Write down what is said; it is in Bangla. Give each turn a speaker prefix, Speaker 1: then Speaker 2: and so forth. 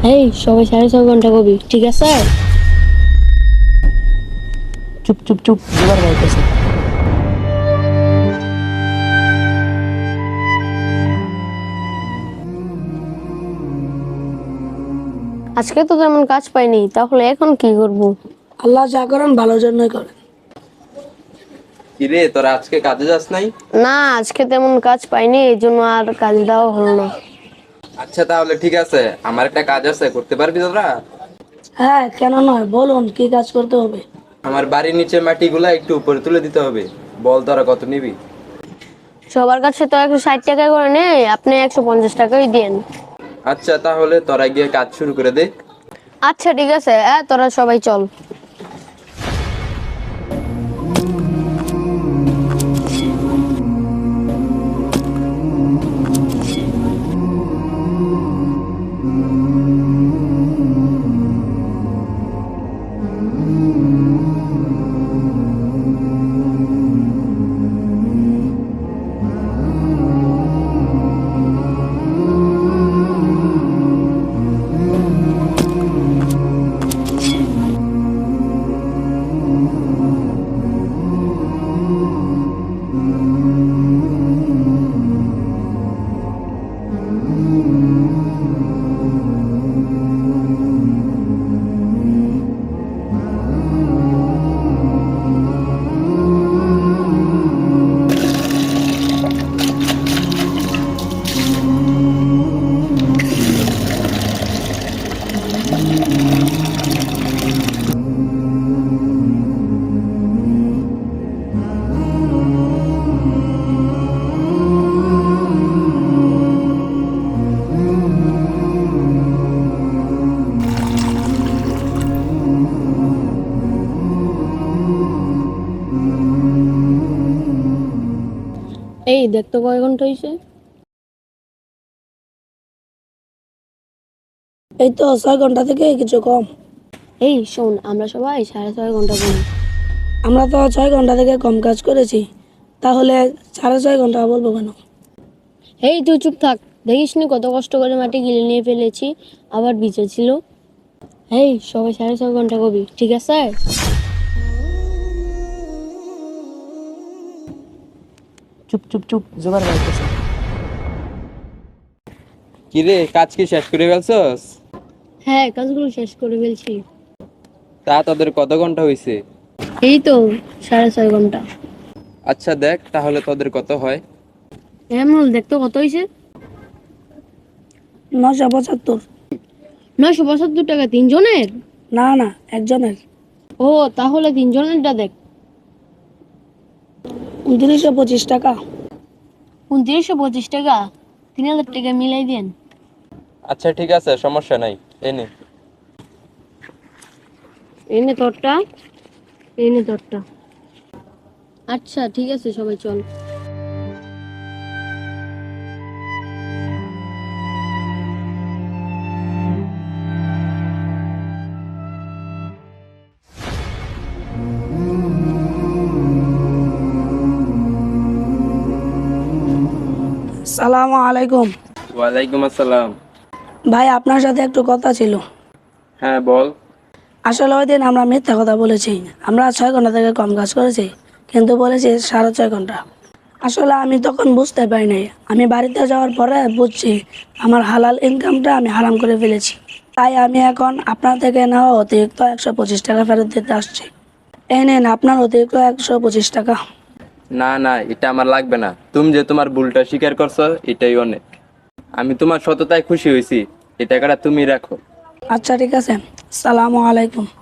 Speaker 1: এই সবাই 6.5 ঘন্টা কবি, ঠিক আছে?
Speaker 2: চুপ চুপ চুপ, দুবার বলতেছে।
Speaker 1: আজকে তো তেমন কাজ পাইনি, তাহলে এখন কি করব?
Speaker 2: আল্লাহ যা করেন ভালোর জন্যই করেন।
Speaker 3: কিরে তোরা আজকে কাজে যাস নাই?
Speaker 1: না, আজকে তেমন কাজ পাইনি, এই জন্য আর কাজ দেওয়া হলো না।
Speaker 3: আচ্ছা তাহলে ঠিক আছে, আমার একটা কাজ আছে, করতে পারবি তোরা?
Speaker 2: হ্যাঁ, কেন নয়, বলুন কি কাজ করতে হবে।
Speaker 3: আমার বাড়ির নিচে মাটিগুলা একটু উপরে তুলে দিতে হবে। বল তোরা কত নিবি?
Speaker 1: সবার কাছে তো 160 টাকা করে নেই, আপনি 150 টাকাই দিন।
Speaker 3: আচ্ছা তাহলে তোরা গিয়ে কাজ শুরু করে দে।
Speaker 1: আচ্ছা ঠিক আছে, তোরা সবাই চল। এই দেখতো কয় ঘন্টা হয়েছে?
Speaker 2: এই তো 6 ঘন্টা থেকে কিছু কম।
Speaker 1: এই শোন, আমরা সবাই 6.5 ঘন্টা করি।
Speaker 2: আমরা তো 6 ঘন্টা থেকে কম কাজ করেছি, তাহলে 6.5 ঘন্টা বলবো কেন?
Speaker 1: এই তুই চুপ থাক, দেখিস নি কত কষ্ট করে মাটি গিলে নিয়ে ফেলেছি, আবার ভিজে ছিল। এই সবাই 6.5 ঘন্টা কবি, ঠিক আছে?
Speaker 2: চুপ চুপ চুপ, জোগাড় বলতেছে।
Speaker 3: কিরে কাজ কি শেষ করে ফেলছস?
Speaker 1: হ্যাঁ, কাজগুলো শেষ করে ফেলছি।
Speaker 3: তা তোদের কত ঘন্টা হয়েছে?
Speaker 1: এই তো 6.5 ঘন্টা।
Speaker 3: আচ্ছা দেখ তাহলে তোদের কত হয়।
Speaker 1: এমন দেখতো কত হয়েছে?
Speaker 2: 975।
Speaker 1: 972 টাকা তিনজনের?
Speaker 2: না না, একজনের।
Speaker 1: ও, তাহলে তিনজনেরটা দেখ।
Speaker 2: 2925 টাকা।
Speaker 1: 2925 টাকা, 3000 টাকা মিলাই দেন।
Speaker 3: আচ্ছা ঠিক আছে, সমস্যা নাই, এনে।
Speaker 1: এনে তোরটা, এনে তোরটা। আচ্ছা ঠিক আছে, সবাই চল।
Speaker 2: সালামু আলাইকুম।
Speaker 3: ওয়ালাইকুম আসসালাম।
Speaker 2: ভাই, আপনার সাথে একটু কথা ছিল।
Speaker 3: হ্যাঁ বল।
Speaker 2: আসলে ওই দিন আমরা মিথ্যা কথা বলেছি। আমরা 6 ঘন্টা থেকে কম কাজ করেছি, কিন্তু বলেছি 6.5 ঘন্টা। আসলে আমি তখন বুঝতে পারি নাই। আমি বাড়িতে যাওয়ার পরে বুঝছি আমার হালাল ইনকামটা আমি হারাম করে ফেলেছি। তাই আমি এখন আপনার থেকে নেওয়া অতিরিক্ত 125 টাকা ফেরত দিতে আসছি। এই নিন আপনার অতিরিক্ত 125 টাকা।
Speaker 3: না না, এটা আমার লাগবে না। তুমি যে তোমার ভুলটা স্বীকার করছো এটাই অনেক। আমি তোমার সততায় খুশি হয়েছি, এই টাকাটা তুমি রাখো।
Speaker 2: আচ্ছা ঠিক আছে, সালামু আলাইকুম।